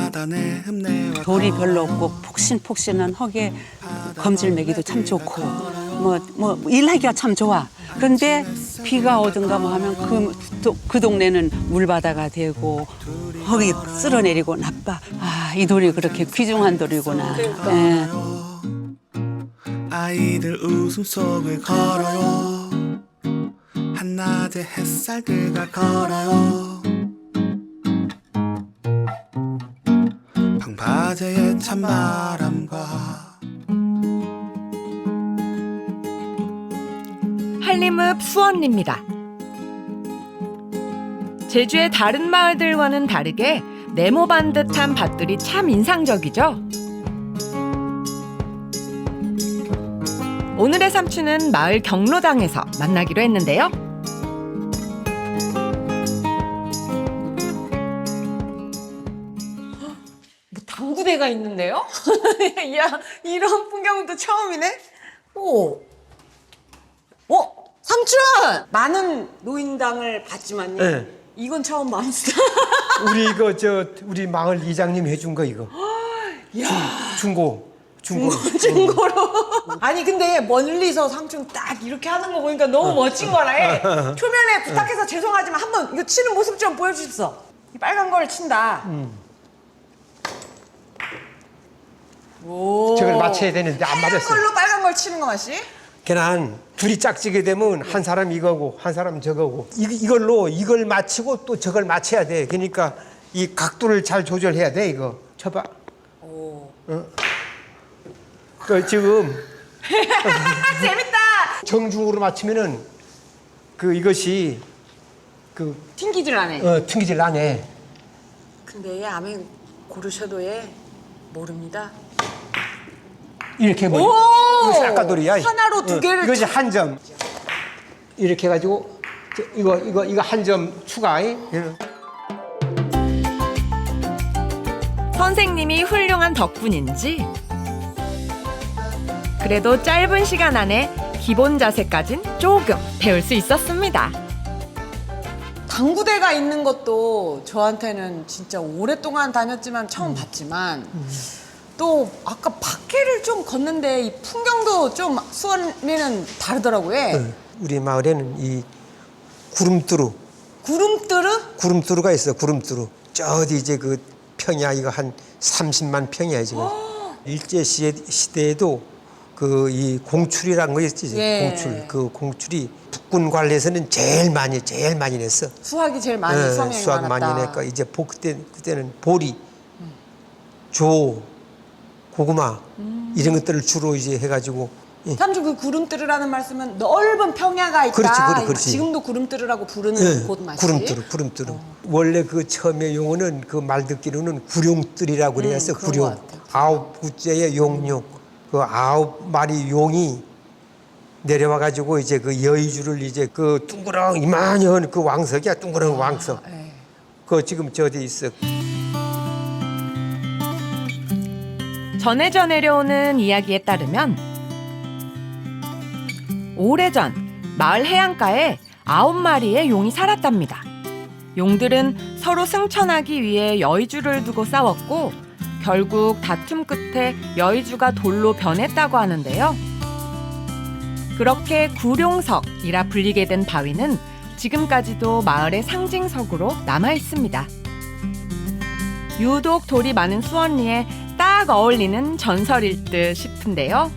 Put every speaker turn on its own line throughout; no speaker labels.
돌이 별로 없고 폭신폭신한 흙에 검질 매기도 참 좋고 뭐 일하기가 참 좋아. 그런데 비가 오든가 뭐 하면 그 동네는 물바다가 되고 흙이 쓸어내리고 나빠. 아, 이 돌이 그렇게 귀중한 돌이구나. 예.
아이들 웃음속을 걸어요. 한낮의 햇살들과 걸어요. 방파제의 찬바람과
한림읍 수원리입니다. 제주의 다른 마을들과는 다르게 네모반 듯한 밭들이 참 인상적이죠. 오늘의 삼촌은 마을 경로당에서 만나기로 했는데요.
당구대가 있는데요? 야, 이런 풍경은 또 처음이네? 오. 삼촌! 많은 노인당을 봤지만요.
네.
이건 처음 봤어.
우리 마을 이장님 해준 거 이거. 중고로.
아니, 근데 멀리서 삼촌 딱 이렇게 하는 거 보니까 너무 멋진 거라. 초면에 부탁해서 죄송하지만 한번 이거 치는 모습 좀 보여주십시오. 이 빨간 걸 친다. 오.
저걸 맞춰야 되는데 안
빨간
맞았어.
걸로 빨간 걸 치는 거 맛이?
걔는 둘이 짝지게 되면 한 사람 이거고 한 사람 저거고 이걸 맞추고 또 저걸 맞춰야 돼. 그러니까 이 각도를 잘 조절해야 돼. 이거 쳐봐.
오.
그 지금
재밌다.
정중으로 맞추면은 이것이
튕기질 않네.
튕기질 않네.
근데 아메 고르셔도 모릅니다.
이렇게 해버려.
오!
이거 싹가돌이야.
하나로 두 개를
이것이 한 점. 이렇게 해가지고 이거 한 점 추가.
선생님이 훌륭한 덕분인지 그래도 짧은 시간 안에 기본 자세까진 조금 배울 수 있었습니다.
당구대가 있는 것도 저한테는 진짜 오랫동안 다녔지만 처음 봤지만 또 아까 밖에를 좀 걷는데 이 풍경도 좀 수원에는 다르더라고요.
우리 마을에는 이 구름뚜루.
구름뚜루?
가 있어. 구름뚜루. 저 어디 이제 평이야. 이거 한 30만 평이야 지금. 일제 시대에도 이 공출이라는 거 있지.
예.
공출. 그 공출이 북군 관례에서는 제일 많이 냈어.
수학이 제일 많이 수학량이
수학
많았다.
많이 내니까 이제 그때는 보리, 조, 고구마 이런 것들을 주로 이제 해가지고.
삼촌 그 구름뚜루라는 말씀은 넓은 평야가 있다.
그렇지.
지금도 구름뚜루라고 부르는 곳 맛이.
구름뚜루. 원래 처음에 용어는 말 듣기로는 구룡뚜리라고 그랬어.
그런
구룡.
것 같아요.
9구째의 용룡. 9마리 용이 내려와가지고 이제 여의주를 이제 이만한 왕석이야. 둥그런 왕석.
네.
지금 저기 있어.
전해져 내려오는 이야기에 따르면 오래전 마을 해안가에 9마리의 용이 살았답니다. 용들은 서로 승천하기 위해 여의주를 두고 싸웠고 결국 다툼 끝에 여의주가 돌로 변했다고 하는데요. 그렇게 구룡석이라 불리게 된 바위는 지금까지도 마을의 상징석으로 남아 있습니다. 유독 돌이 많은 수원리에 딱 어울리는 전설일 듯 싶은데요.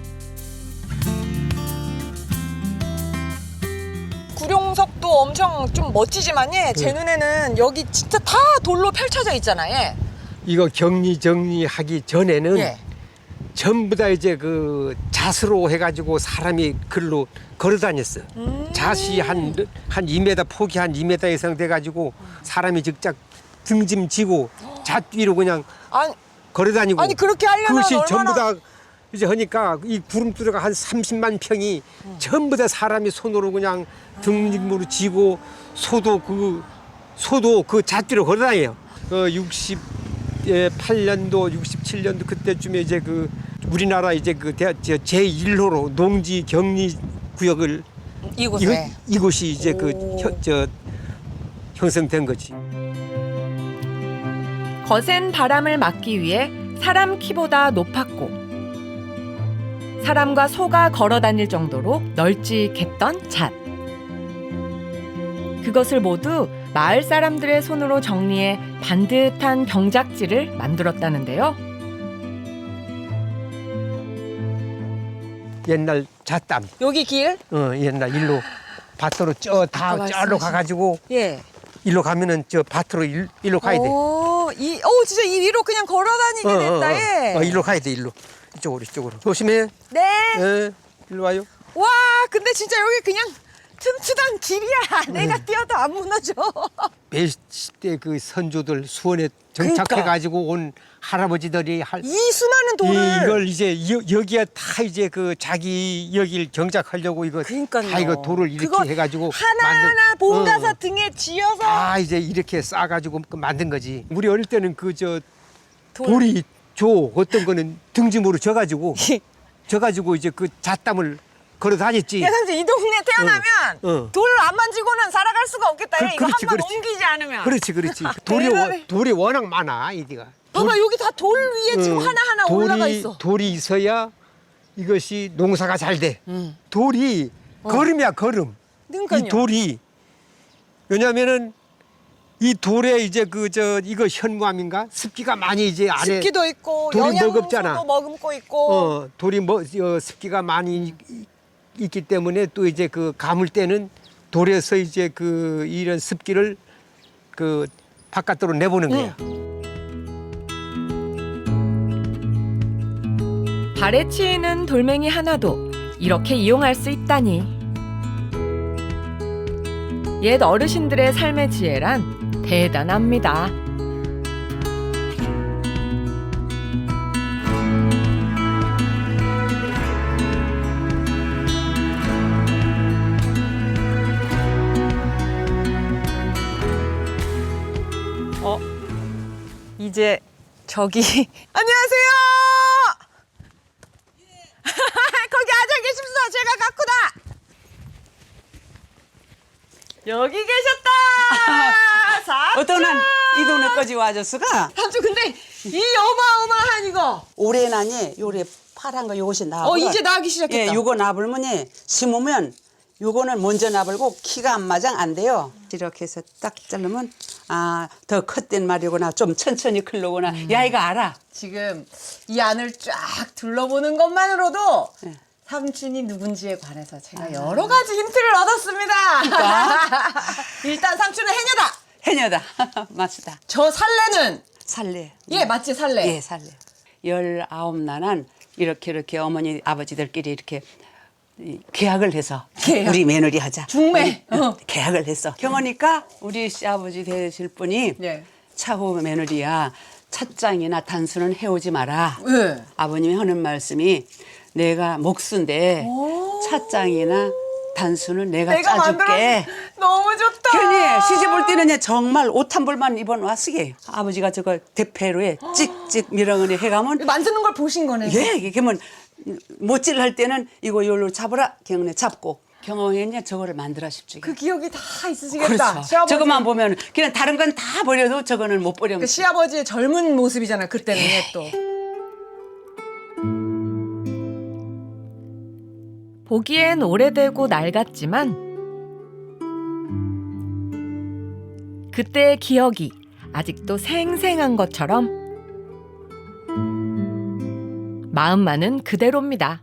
구룡석도 엄청 좀 멋지지만 제 눈에는 여기 진짜 다 돌로 펼쳐져 있잖아요.
이거 정리하기 전에는
예.
전부 다 이제 잣으로 해가지고 사람이 글로 걸어 다녔어. 잣이 한 2m, 폭이 한 2m 이상 돼가지고 사람이 직접 등짐 지고 잣 위로 그냥 걸어 다니고.
아니 그렇게 하려면
그것이
얼마나...
전부 다 이제 하니까 이 구름뚜루가 한 30만 평이 전부 다 사람이 손으로 그냥 등짐으로 지고 소도 잣 위로 걸어 다녀요. 68년도, 67년도 그때쯤에 이제 우리나라 이제 제1호로 농지 격리 구역을 이곳이 이제 형성된 거지.
거센 바람을 막기 위해 사람 키보다 높았고 사람과 소가 걸어 다닐 정도로 널찍했던 잣. 그것을 모두 마을 사람들의 손으로 정리해 반듯한 경작지를 만들었다는데요.
옛날 잣담.
여기 길?
옛날 일로 밭으로 저로
말씀하신-
가가지고
예.
일로 가면은 저 밭으로 일로 가야 돼.
진짜 이 위로 그냥 걸어 다니게 됐다. 예.
일로 가야 돼 일로. 이쪽으로. 조심해.
네.
예. 일로 와요.
와, 근데 진짜 여기 그냥 튼튼한 길이야. 내가 뛰어도 안 무너져.
몇십대 그 선조들 수원에 정착해가지고 온 할아버지들이
이 수많은 돌을.
이걸 이제 여기에 다 이제 그 자기 여길 정착하려고 이거
그러니까요.
다 이거 돌을 이렇게
그거
해가지고
하나하나 본가사 등에 지어서
다 이제 이렇게 싸가지고 만든 거지. 우리 어릴 때는 그 저
돌.
돌이 어떤 거는 등짐으로 져가지고 이제 그 잣담을 걸어 다녔지.
야, 삼촌 이 동네 태어나면
어.
돌 안 만지고는 살아갈 수가 없겠다. 이거
그렇지,
한 번
그렇지.
옮기지 않으면.
그렇지.
대단해.
돌이 워낙 많아 이디가.
봐봐, 여기 다 돌 위에 지금 하나하나 올라가 있어.
돌이 있어야 이것이 농사가 잘 돼. 돌이 걸음이야 걸음.
그러니까요.
이 돌이 왜냐면은 이 돌에 이제 이거 현무암인가 습기가 많이 이제 안에
습기도 있고
돌이
영양소도
먹었잖아.
머금고 있고.
돌이 습기가 많이 있기 때문에 또 이제 그 감을 때는 돌에서 이제 이런 습기를 바깥으로 내보는 거야.
발에 치이는 돌멩이 하나도 이렇게 이용할 수 있다니. 옛 어르신들의 삶의 지혜란 대단합니다.
이제 저기 안녕하세요. 거기 앉아 계십시오. 제가 갖고다. 여기 계셨다. 삼촌.
어떤 한 이 동네까지 와줬어가
삼촌, 근데 이 어마어마한 이거.
올해나니 요래 파란 거 요것이 나고
이제 나기 시작했다.
예, 요거 나불면이 심으면 요거는 먼저 나불고 키가 안 맞아 안 돼요. 이렇게 해서 딱 자르면 더 컸단 말이구나. 좀 천천히 클로구나. 야 이거 알아.
지금 이 안을 쫙 둘러보는 것만으로도
네.
삼촌이 누군지에 관해서 제가 여러 가지 힌트를 얻었습니다. 일단 삼촌은 해녀다.
해녀다. 맞다.
저 살레는
살래.
예, 맞지, 살레.
예, 살래. 19나는 이렇게 어머니 아버지들끼리 이렇게 계약을 해서
계약?
우리 며느리 하자.
중매?
계약을 했어. 경호니까 우리 시아버지 되실 분이
예.
차후 며느리야. 찻장이나 단수는 해오지 마라.
예.
아버님이 하는 말씀이 내가 목수인데 찻장이나 단수는 내가 짜줄게.
너무 좋다.
괜히 시집 올 때는 정말 옷 한 벌만 입어놨으게. 아버지가 저거 대패로에 찍찍 밀어넣니 해가면
만드는 걸 보신 거네.
예, 그러면 못질 할 때는 이거 요로 잡으라. 경내 잡고 경호했냐 저거를 만들어 싶지.
그 기억이 다 있으시겠다.
그렇죠.
시아버지.
저것만 보면 그냥 다른 건 다 버려도 저거는 못 버려.
그 시아버지의 젊은 모습이잖아. 그때는 또.
보기엔 오래되고 낡았지만 그때의 기억이 아직도 생생한 것처럼 마음만은 그대로입니다.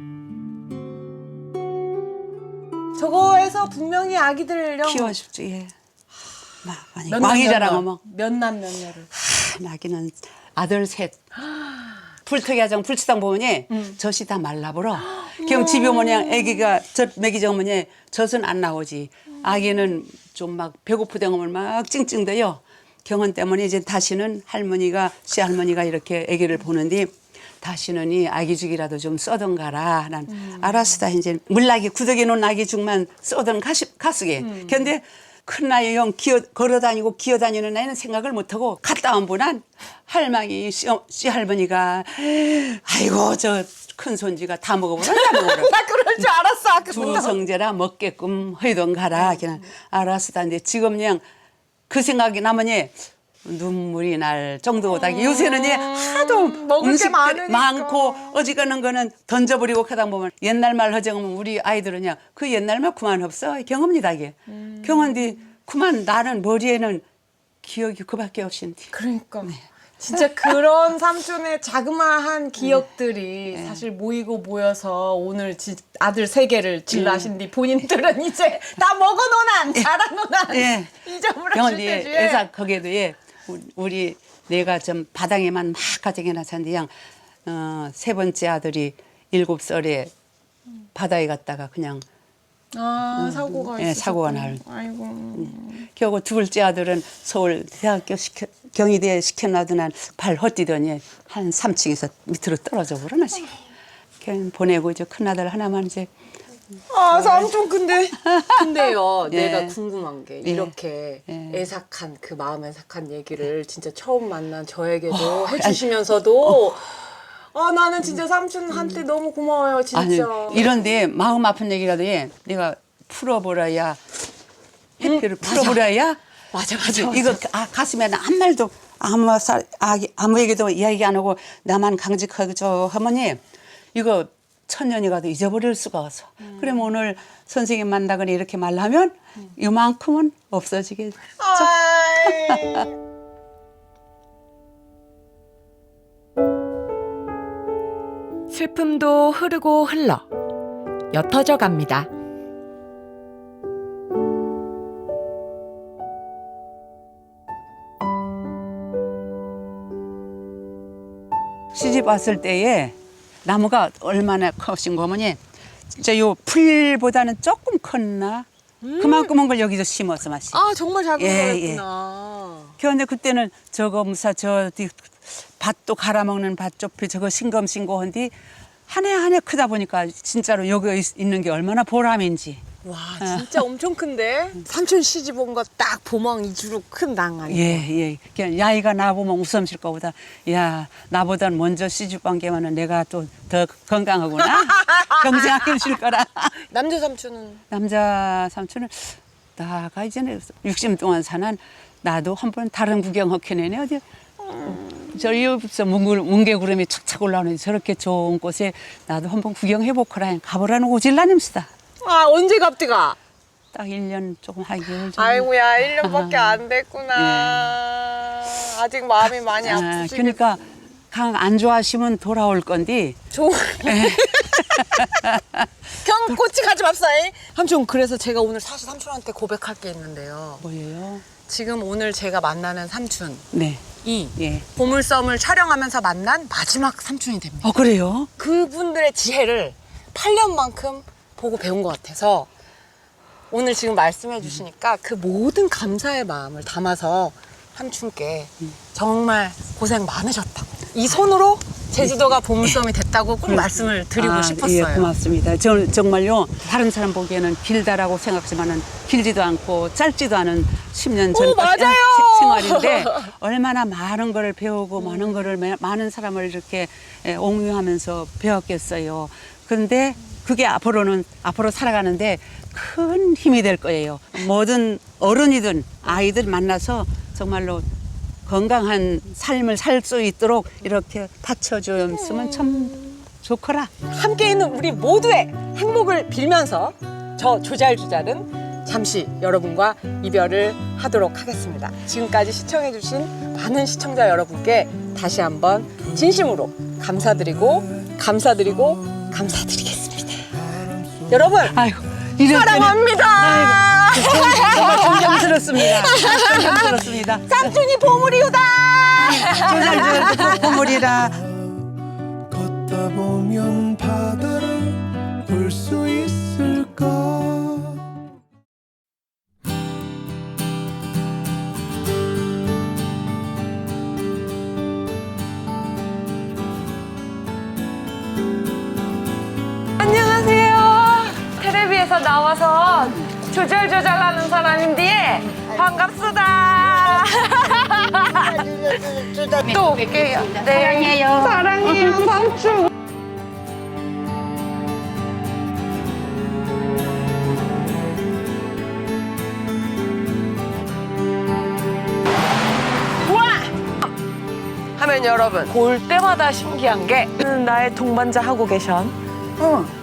저거에서 분명히 아기들
키워 싶지. 예. 많이
몇
왕이자랑 어머.
몇남 몇녀를.
나기는 아들 셋. 불특이하장 불치당 보면이 젖이 다 말라버려. 그럼 집에 어머니 아기가 젖 먹이자 어머니 젖은 안 나오지. 아기는 좀 막 배고프대면 막 찡찡대요. 경험 때문에 이제 다시는 할머니가 시할머니가 이렇게 아기를 보는데 다시는 이 아기 죽이라도 좀 써던 가라. 난 알았다. 이제 물나기 구덕에 놓은 아기 죽만 써던 가수게. 근데 큰 나이 형 걸어다니고 기어다니는 나이는 생각을 못하고 갔다 온 분한 할머니 시할머니가 아이고 저 큰 손지가 다 먹어보라.
나 그럴 줄 알았어. 아까부터.
주성제라 먹게끔 허이던 가라. 그냥 알았다. 근데 지금 그냥 그 생각이 나머니 눈물이 날 정도다. 요새는 예, 하도
먹을 게
음식들이
많으니까.
많고 어지간한 거는 던져버리고 하다 보면 옛날 말 허정하면 우리 아이들은요 그 옛날 말 그만 없어 경험니다 이게 경험디 그만 나는 머리에는 기억이 그밖에 없신디.
그러니까
네.
진짜 그런 삼촌의 자그마한 기억들이 사실 모이고 모여서 오늘 아들 세 개를 질러하신 뒤 본인들은 이제 다 먹어놓은 자라놓은
예.
잊어버릴
경험디
때지.
애사 거기에도 예 우리 내가 좀 바닥에만 막 가정해 놨었는데 세 번째 아들이 7살에 바다에 갔다가 그냥
사고가
예,
있었구나.
사고가 날.
아이고.
겨우 두 번째 아들은 서울 대학교 경희대에 시켜놔두난 발 헛디더니 한 3층에서 밑으로 떨어져 버려나 지금. 걔는 보내고 이제 큰 아들 하나만 이제
삼촌 근데요
예.
내가 궁금한 게 이렇게
예.
애삭한 그 마음 애삭한 얘기를 진짜 처음 만난 저에게도 해주시면서도 나는 진짜 삼촌한테 너무 고마워요 진짜.
아니 이런데 마음 아픈 얘기라도 예 내가 풀어보라야 해피를 풀어보라야
맞아.
이거 가슴에 아무 말도 아무 얘기도 이야기 안 하고 나만 강직하죠 하머니 이거 천년이 가도 잊어버릴 수가 없어. 그러면 오늘 선생님 만나거나 이렇게 말하면 이만큼은 없어지겠죠.
슬픔도 흐르고 흘러 옅어져 갑니다.
시집 왔을 때에 나무가 얼마나 커신 거머니 진짜 요 풀보다는 조금 컸나 그만큼은 걸 여기서 심었어 마시.
정말 잘
예,
보셨구나.
그런데 그때는 저거 무사 밭도 갈아먹는 밭좁이 저거 싱검싱고 한디 한 해 한 해 크다 보니까 진짜로 여기 있는 게 얼마나 보람인지.
와 진짜 엄청 큰데 삼촌 시집 온 거 딱 보멍 이주로 큰 당 아니에요?
예. 그냥 야이가 나보면 웃음실 거보다 야 나보단 먼저 시집 간 게만은 내가 또 더 건강하구나. 평생 아끼실 거라.
남자 삼촌은
남자 삼촌은 나가 이제는 60 동안 사는 나도 한번 다른 구경 허켜내네 어디 저기서 뭉게구름이 착착 올라오는 저렇게 좋은 곳에 나도 한번 구경해보거라 가보라는 오질라님시다.
언제 갑디가?
딱 1년 조금 한 개월 정도.
아이고야 1년밖에 안 됐구나. 아직 마음이 많이 아프시겠.
그러니까 강 안 좋아하시면 돌아올 건데
경꼬치 가지 맙사이. 삼촌 그래서 제가 오늘 사실 삼촌한테 고백할 게 있는데요.
뭐예요?
지금 오늘 제가 만나는 삼촌이
네. 예.
보물섬을 촬영하면서 만난 마지막 삼촌이 됩니다.
그래요?
그분들의 지혜를 8년만큼 보고 배운 것 같아서 오늘 지금 말씀해 주시니까 그 모든 감사의 마음을 담아서 삼촌께 정말 고생 많으셨다. 이 손으로 제주도가 보물섬이 됐다고 꼭 말씀을 드리고 싶었어요.
예, 고맙습니다. 저는 정말요 다른 사람 보기에는 길다라고 생각하지만은 길지도 않고 짧지도 않은 10년 전
맞아요.
생활인데 얼마나 많은 걸 배우고 많은 거를 많은 사람을 이렇게 옹유하면서 배웠겠어요. 그런데 그게 앞으로 살아가는데 큰 힘이 될 거예요. 모든 어른이든 아이들 만나서 정말로 건강한 삶을 살 수 있도록 이렇게 받쳐주면 참 좋거라.
함께 있는 우리 모두의 행복을 빌면서 저 조잘조잘은 잠시 여러분과 이별을 하도록 하겠습니다. 지금까지 시청해주신 많은 시청자 여러분께 다시 한번 진심으로 감사드리겠습니다. 여러분
아이고,
사랑합니다.
정말 존경스럽습니다. 존경스럽습니다.
삼촌이 보물이오다.
조잘조잘 보물이라.
걷다 보면 바다를 볼 수 있을까.
안녕하세요. 텔레비에서 나와서 조잘조잘하는 사람인데 반갑습니다. 또 올게요. 네. 사랑해요, 삼촌. 와! 그러면 여러분 볼 때마다 신기한 게 나의 동반자 하고 계션
어.